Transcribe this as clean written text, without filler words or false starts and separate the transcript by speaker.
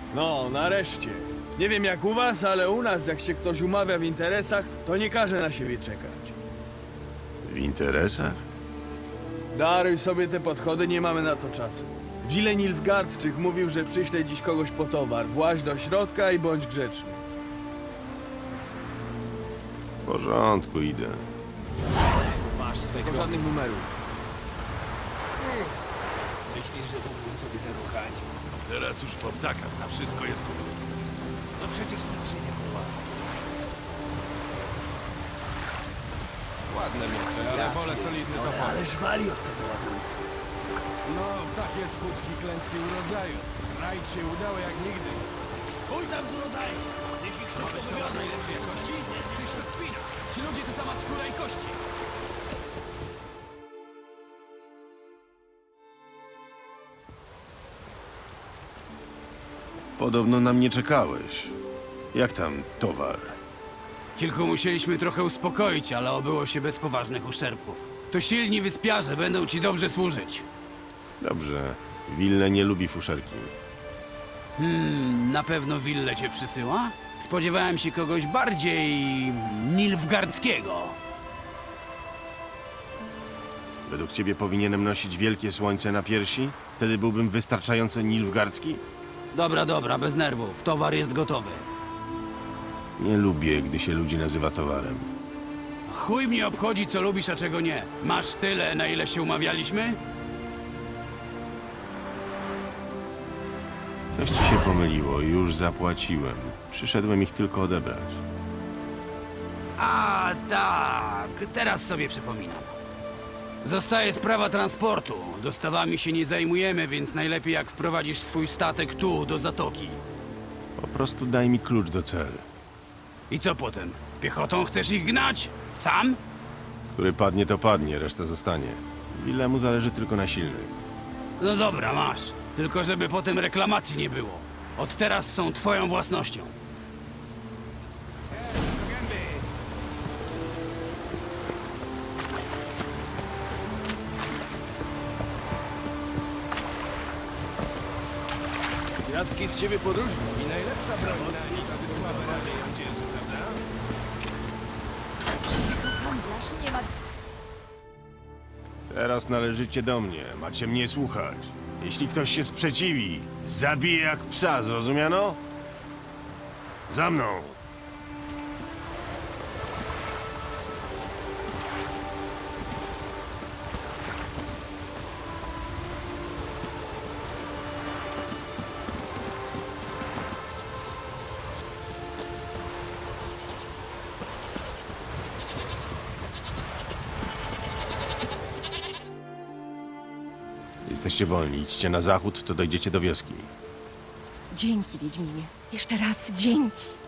Speaker 1: No, nareszcie. Nie wiem jak u was, ale u nas jak się ktoś umawia w interesach, to nie każe na siebie czekać.
Speaker 2: W interesach?
Speaker 1: Daruj sobie te podchody, nie mamy na to czasu. Wilen Nilfgaardczyk mówił, że przyśle dziś kogoś po towar. Właź do środka i bądź grzeczny.
Speaker 2: W porządku, idę.
Speaker 1: Tylko żadnych numerów.
Speaker 3: Myślisz, że mógłbym sobie zaruchać?
Speaker 4: Teraz już po ptakach, na wszystko jest gotów.
Speaker 3: No przecież nic się nie chowa.
Speaker 4: Ładne miecze, ale wolę solidny topór.
Speaker 1: Ale żwali od tego ładunku.
Speaker 4: No, takie skutki klęski urodzaju. Rajd się udało jak nigdy.
Speaker 3: Chuj tam z urodzaju! Niech ich szybko wybiorą najlepszej jakości. Mieliśmy kpina. Ci ludzie to sama skóra i kości.
Speaker 2: Podobno na mnie czekałeś. Jak tam towar?
Speaker 5: Kilku musieliśmy trochę uspokoić, ale obyło się bez poważnych uszczerbków. To silni wyspiarze będą ci dobrze służyć.
Speaker 2: Dobrze. Wille nie lubi fuszerki.
Speaker 5: Na pewno Wille cię przysyła? Spodziewałem się kogoś bardziej nilfgaardzkiego.
Speaker 2: Według ciebie powinienem nosić wielkie słońce na piersi? Wtedy byłbym wystarczająco nilfgaardzki?
Speaker 5: Dobra, bez nerwów. Towar jest gotowy.
Speaker 2: Nie lubię, gdy się ludzi nazywa towarem.
Speaker 5: Chuj mnie obchodzi, co lubisz, a czego nie. Masz tyle, na ile się umawialiśmy?
Speaker 2: Coś ci się pomyliło, już zapłaciłem. Przyszedłem ich tylko odebrać.
Speaker 5: A tak, teraz sobie przypominam. Zostaje sprawa transportu. Dostawami się nie zajmujemy, więc najlepiej jak wprowadzisz swój statek tu, do zatoki.
Speaker 2: Po prostu daj mi klucz do celu.
Speaker 5: I co potem? Piechotą chcesz ich gnać? Sam?
Speaker 2: Który padnie, to padnie, reszta zostanie. Willemu zależy tylko na silnych.
Speaker 5: No dobra, masz. Tylko żeby potem reklamacji nie było. Od teraz są twoją własnością.
Speaker 1: Jacki z ciebie podróżnik.
Speaker 4: I najlepsza broń na nich, aby sławę raczej ją dzierży, prawda?
Speaker 6: Handlarz nie ma...
Speaker 2: Teraz należycie do mnie, macie mnie słuchać. Jeśli ktoś się sprzeciwi, zabiję jak psa, zrozumiano? Za mną! Jesteście wolni, idźcie na zachód, to dojdziecie do wioski.
Speaker 6: Dzięki, Wiedźminie. Jeszcze raz dzięki.